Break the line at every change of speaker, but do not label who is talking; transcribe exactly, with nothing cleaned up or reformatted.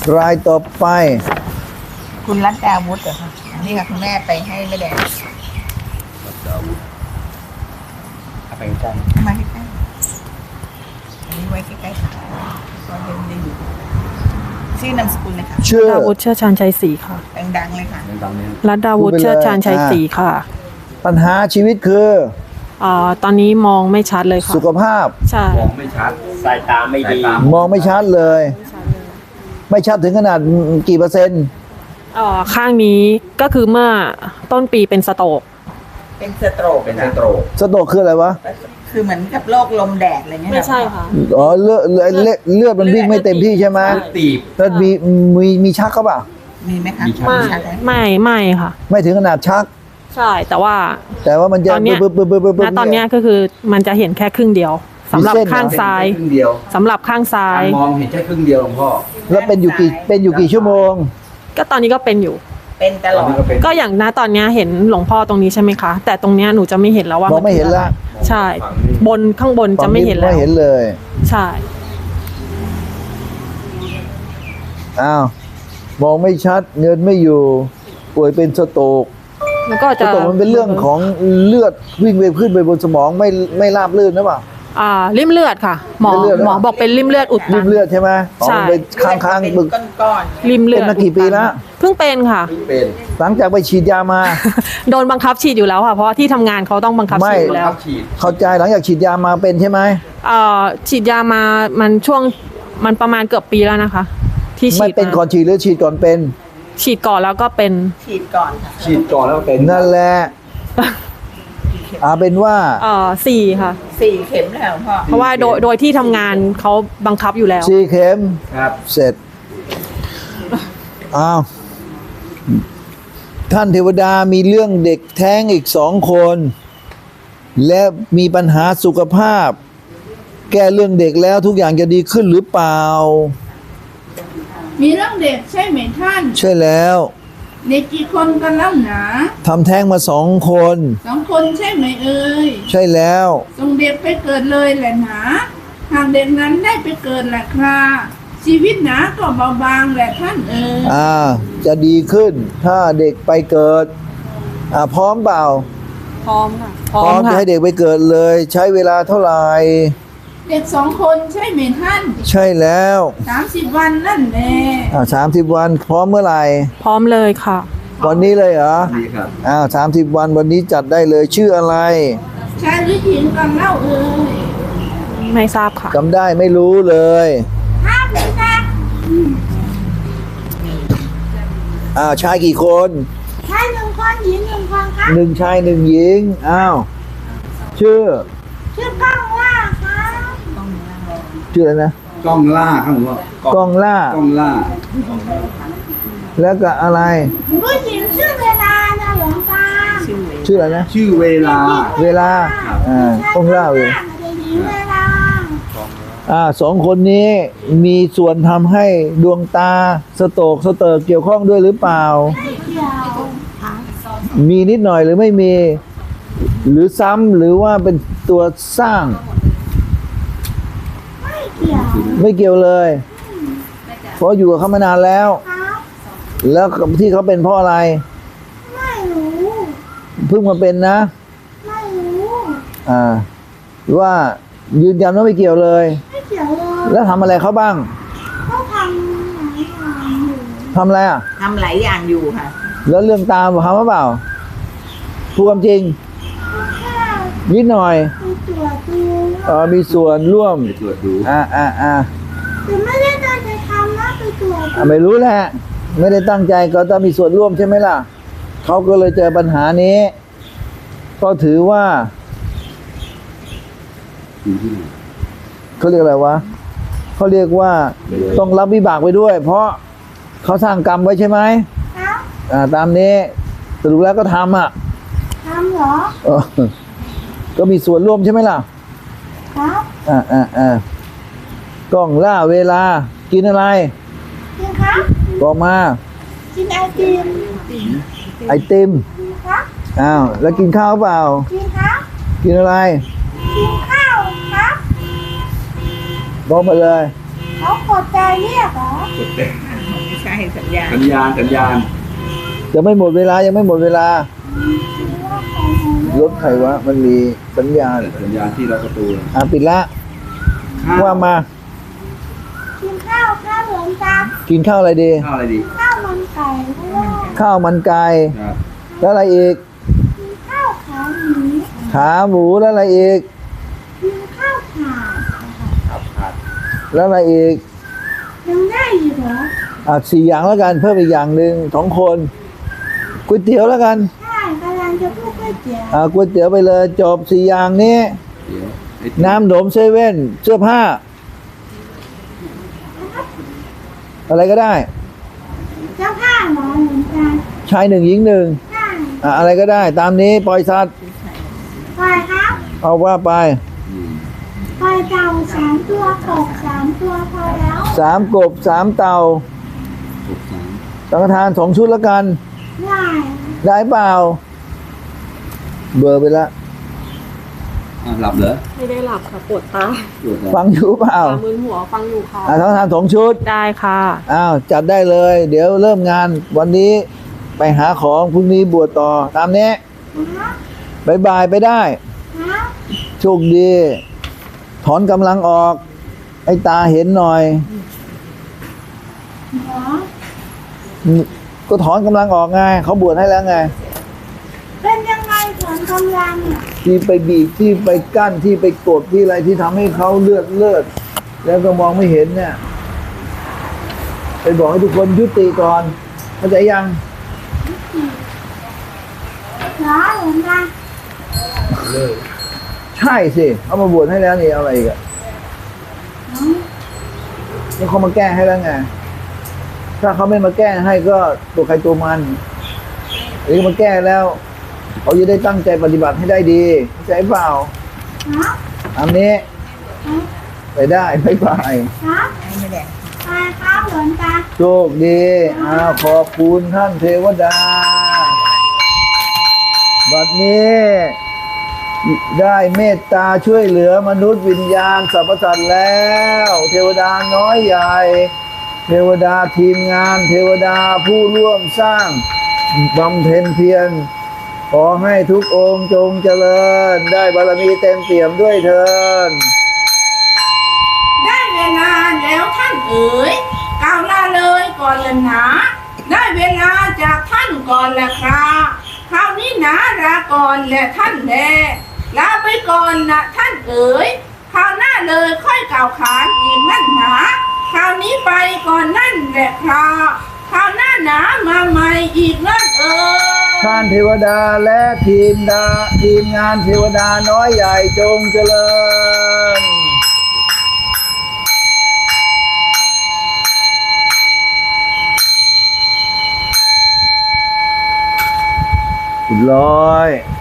รายต่อไป
คุณรัตดาวุฒิเหรอคะนี่ค่ะคุณแม่ไปให้แม่แดง
เอาไปใกล้
มาใกล้ๆอันนี้ไว้ใกล้ๆค่ะก็เดินดีชื่อนามสกุลเลยค่ะ
ชื่อ
ดาวุฒิเชื่อชาญชัยศรีค่ะ
ดังๆเลยค่ะ
ดังๆนี้
รัตดาวุฒิเชื่อชาญชัยศรีค่ะ
ปัญหาชีวิตคือ
อ่าตอนนี้มองไม่ชัดเลยค่ะ
สุขภาพ
ใช่
มองไม่ชัดสายตาไม่ดี
มองไม่ชัดเลย ไม่ชัดถึงขนาดกี่เปอร์เซ็นต์
อ่าข้างนี้ก็คือเมื่อต้นปีเป็นสโตรก
เป็นสโตรก
เป็นไซโตรก
สโตรกคืออะไรวะ
คือเหมือนกับโรคลมแดดอะไรเงี้ย
ไม่ใช่ค่ะ
อ๋อเลือดเลือดเลือดเลือดมันวิ่งไม่เต็มที่ใช่ไหม
ตีบ
แล้วมีมีมีชักเขาเปล่า
มีไหมคะ
มีชัก
ไม่
ชักไหม
ไม่ไม่ค่ะ
ไม่ถึงขนาดชัก
ใช่แต่ว่า
แต่ว่ามันจะ
ตอนเนี้ย
ปึ๊บปึ๊บปึ๊บปึ๊บปึ๊บ
ณตอนเนี้ยก็คือมันจะเห็นแค่ครึ่งเดียวสำหรับ
มีเส้นเหรอ
ข้างซ้าย
ครึ่งเดียว
สำหรับข้างซ้าย
มองเห็นแค่ครึ่งเดียวหลวงพ่อ
แล้วเป็นอยู่กี่เป็นอยู่กี่ชั่วโมง
ก็ตอนนี้ก็เป็นอยู่
เป็นต
ต
ล
อน
อด
นี้ก็เป็น
ก็อย่างณตอนเนี้ยเห็นหลวงพ่อตรงนี้ใช่ไหมคะ แต่ตรงเนี้ยหนูจะไม่เห็นแล้วว่าม
องไม่เห็นละ
ใช่ บนข้างบนจะไม่เห็นแล้ว
ไม่เห็นเลย
ใช่
อ้าวมองไม่ชัดเงินไม่อยู่ ป่วยเป็นสโตรก
แล้วก็
ส
จะ
โตรกมันเป็นเรื่องของเลือดวิ่งไปขึ้นไปบนสมองไม่ไม่ราบลื่นนะเปล่า
อ่าริ่มเลือดค่ะ หมอ
ริ่มเลือดเหรอ
หมอบอกเป็นริ่มเลือดอุดตั
ริ่
น
มเลือดใช่ไหมอ๋อ
ใช่
มันไปค้างค้าง
เป็น
บึก
ก้อน
ริมเลือด
เป็นมากี่ปีแล้ว
เพิ่งเป็นค่ะ
เป็น
หลังจากไปฉีดยามา
โดนบังคับฉีดอยู่แล้วค่ะ เพราะว่าที่ทำงานเขาต้องบังคับ
ไม่
ฉีดอยู่แล้ว
ทับฉีด
เข้าใจหลังจากฉีดยามาเป็นใช่ไหม
เอ่อฉีดยามามันช่วงมันประมาณเกือบปีแล้วนะคะ ที่ฉี
ไม่
ด
เป็น
มา
ก่อนฉีดหรือฉีดก่อนเป็น
ฉีดก่อนแล้วก็เป็น
ๆฉีดก่อนค่ะ
ฉีดก่อนแล้วเป็น
นั่นแหละอาเป็นว่า
เอ่อสี่ค่ะ
สี่เข็มแล้วหลวงพ่อ
เพราะว่าโดยโดยที่ทำงานเขาบังคับอยู่แล้ว
ซีเข็ม
ครับ
เสร็จอ้าวท่านเทวดามีเรื่องเด็กแท้งอีกสองคน และมีปัญหาสุขภาพ แก้เรื่องเด็กแล้วทุกอย่างจะดีขึ้นหรือเปล่า
มีเรื่องเด็กใช่ไหมท่าน
ใช่แล้ว
เด็กกี่คนกันแล้วหนา
ทำแท้งมาสองคน
สองคนใช่ไหมเอ่ย
ใช่แล้ว
ส่งเด็กไปเกิดเลยแหละหนาหากเด็กนั้นได้ไปเกิดแหละคราชีวิตหนาก็เบาบางแหละท่านเอ่ย
อ่า จะดีขึ้น ถ้าเด็กไปเกิด อ่าพร้อมเปล่า
พร้อมค่ะ พ
พ
ร้อ
ร้อ
ม
มจะ
ค่ะ
ให้เด็กไปเกิดเลย ใช้เวลาเท่าไหร่
เด็กสองคนใช่ไหมท่าน
ใช่แล้ว
สามสิบวันนั่นแหละ
อ่าสามสิบวัน พร้อมเมื่อไหร่
พร้อมเลยค่ะ
วันนี้เลยเหรอ
ดีครับ
อ้าวสามสิบวันวันนี้จัดได้เลยชื่ออะไร
ชายหรือหญิงกันเล่าเอ่ย
ไม่ทราบค่ะ
จำได้ไม่รู้เลย
ห้าเป็นนะ
อ้าวชายกี่คน
ชายหนึ่งคนหญิงหนึ่งคนครับ
หนึ่งชายหนึ่งหญิงอ้าวชื่อ
ชื่อก้องว่าครับ
ชื่ออะไรนะ
กล้องล่าครับผมว่าก
ล้องล่าก
ล้องล่า
แล้วก็อะไร
ผู้หญิงชื่อเวลานะหลวงตา
ชื่ออะไรนะ
ชื่อเวลา
เวลาอ่ากล้องล่าเวลา
เวลา
อ่าสองคนนี้มีส่วนทำให้ดวงตาสโตกสเติร์กเกี่ยวข้องด้วยหรือเปล่า มีนิดหน่อยหรือไม่มี หรือซ้ำหรือว่าเป็นตัวสร้าง
ไม่เกี่ยว
ไม่เกี่ยวเลย เพราะอยู่กับเขามานานแล้ว
ครับ
แล้วที่เขาเป็นเพราะอะไร
ไม่รู้
เพิ่งมาเป็นนะ
ไม่รู้
อ่าว่ายืนยันว่าไม่เกี่ยวเลย
ไม่เกี่ยวเลย
แล้วทำอะไรเขาบ้าง
เขาทำหลายอย่างอยู่
ทำอะไรอ่ะ
ทำหลายอย่างอยู่ค่ะ
แล้วเรื่องตามทำหรือเปล่าพูดความจริง
แค่
นิดหน่อย
ไปตรวจดู
เออมีส่วนร่วม
ไปตรวจดู
อ่าอ่าอ่า
แต่ไม่ได้ตั้งใจทำนะไปตรวจ
อ่าไม่รู้แหละ ไม่ได้ตั้งใจก็ต้องมีส่วนร่วมใช่ไหมล่ะเขาก็เลยเจอปัญหานี้ ก็ถือว่า
อยู่ที่ไหน
เขาเรียกอะไรวะเขาเรียกว่าต้องรับวิบากไปด้วย เพราะเขาสร้างกรรมไว้ใช่ไหม
ครับ
อ่าตามนี้สรุปแล้วก็ทำอ่ะ
ทำเหรอ
เออก็มีส่วนร่วมใช่ไหมล่ะ
ครับ
อ่าอ่าอ่ากล้องล่าเวลา กินอะไร
จริงครับ
บอกมา
กินไอติม
ไอติม
จริงครับ
อ้าวแล้วกินข้าวเปล่า
จริงครับ
กินอะไร
กินข้าวครับ
บอกมาเลย
เขากดใจเรียกเหรอ
ช่สัญญา
สัญญาณสัญญาณ
ยังไม่หมดเวลายังไม่หมดเวลา รถใครวะ มันมีสัญญาณ
สัญญาณที่เราประตู
อ่ะปิดละ
ข้าว
ว่ามา
กินข้าวข้าวหลวงตา
กินข้าวอะไรดี
ข้าวอะไรดี
ข้าวมันไก่ด้วย
ข้าวมันไก่
ครับ
แล้วอะไรอีก
กินข้าวขาหมู
ขาหมูแล้วอะไรอีก
กินข้าวขาด
ครับขาด
แล้วอะไรอีก
ยังได้อยู่เหรอ
อ่ะสี่อย่างแล้วกันเพิ่มอีกอย่างหนึ่งสองคนก๋วยเตี๋ยวแล้วกัน
ใช่กำลังจะพูดก๋วยเตี๋ยว
อ่ะก๋วยเตี๋ยวไปเลยจบสี่อย่างนี้
เดี๋ยวไอ้
น้ำหนมเซเว่นเสื้อผ้า อะไรก็ได้
เจ้าผ้าหมอเหมือนกัน
ชายหนึ่งหญิงหนึ่ง
ใช่
อ่ะอะไรก็ได้ ตามนี้ปล่อยสัตว์
ปล่อยครับ
เอาว่าไป
อืม
ปล่อยเต่าสามตัวกบสามตัวพอแล้ว
สามกบสามเต่า
หกสาม
สังฆทานสองชุดแล้วกัน
ได้
ได้เปล่า เบอร์ไปละ
อ่ะหลับเหรอ
ไม่ได้หลับค่ะปวดตา
ตรวจแล้ว
ฟังอยู่เปล่า
ตามึนหัวฟังอยู่ค่ะ
อ่ะสังฆทานสองชุด
ได้ค่ะ
อ้าวจัดได้เลย เดี๋ยวเริ่มงานวันนี้ไปหาของพรุ่งนี้บวชต่อ ตามนี้
ครับ
บายบายไปได้
ครับ
โชคดี ถอนกำลังออก ไอ้ตาเห็นหน่อย
หมอ
ก็ถอนกำลังออกไงเขาบวชให้แล้วไง
เป็นยังไงถอนกำลังเนี่ย
ที่ไปบีบที่ไปกั้นที่ไปกดที่อะไรที่ทำให้เขาเลือดเลือดแล้วก็มองไม่เห็นเนี่ย ไปบอกให้ทุกคนยุติก่อนเข้าใจยัง
เหรอหลวงตา
ใช่สิเอามาบวชให้แล้วนี่เอาอะไรอีกอะ
อ๋อ
นี่เขามาแก้ให้แล้วไงถ้าเขาไม่มาแก้ให้ก็ตัวใครตัวมันหรือมาแก้แล้วเขาจะได้ตั้งใจปฏิบัติให้ได้ดีเข้าใจเปล่า
ครับ
อันนี้
ครับ
ไปได้ไปไป
ครับ
ไม่ได้
ไปครับหลวงตา
โชคดีอ้าวขอบคุณท่านเทวดา บัดนี้ ได้เมตตาช่วยเหลือมนุษย์วิญญาณสรรพสัตว์แล้ว เทวดาน้อยใหญ่ เทวดาทีมงาน เทวดาผู้ร่วมสร้างบำเพ็ญเพียรขอให้ทุกองค์จงเจริญ ได้บารมีเต็มเปี่ยมด้วยเถิด
ได้เวลาแล้วท่านเอ๋ยกล่าวลาเลยก่อนละหนาได้เวลาจากท่านก่อนแหละครับคราวนี้หนาลาก่อนแหละท่านแลลาไปก่อนนะท่านเอ๋ยคราวหน้าเลยค่อยกล่าวขานอีกนั่นหนาคราวนี้ไปก่อนนั่นแหละครับคราวหน้าหนามาใหม่อีกนั่นเอ๋ย
ท่านเทวดาและทีมดาทีมงานเทวดาน้อยใหญ่จงเจริญร้อย